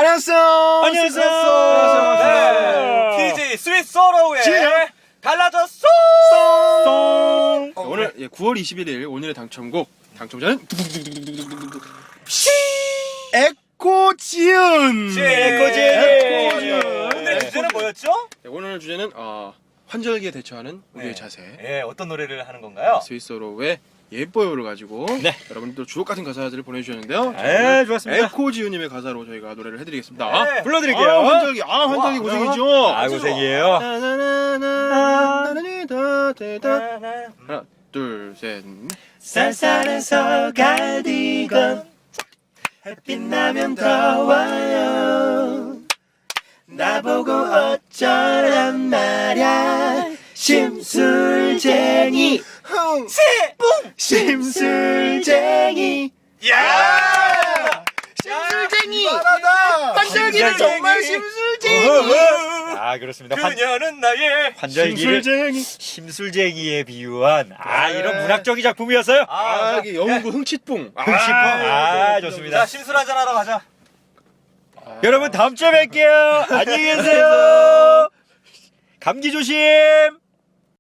안녕하세요. 네. TJ 스윗 소로우의 달라졌어. 오늘 9월 21일 오늘의 당첨곡 당첨자는 에코지은. 오늘의 주제는 뭐였죠? 네, 오늘 주제는 환절기에 대처하는 우리의 네. 자세. 예, 어떤 노래를 하는 건가요? 스위스로의 예뻐요를 가지고 여러분들 주옥 같은 가사들을 보내주셨는데요. 네, 좋았습니다. 에코지은님의 가사로 저희가 노래를 해드리겠습니다. 네. 불러드릴게요. 환절기 와, 고생이죠. 고생이에요. 하나, 둘, 셋. 쌀쌀해서 갈디건 햇빛 나면 더워요. 나보고 어쩌란 말야. 심술쟁이 심술쟁이. 야! 심술쟁이. 환절기는 정말 심술쟁이. 그렇습니다. 그녀는 나의 환절기를 심술쟁이에 비유한 이런 문학적인 작품이었어요. 여기 영구 흥칫뿡. 좋습니다. 자, 심술 한잔 하러 가자. 여러분 다음 주에 뵐게요. 안녕히 계세요. 감기 조심.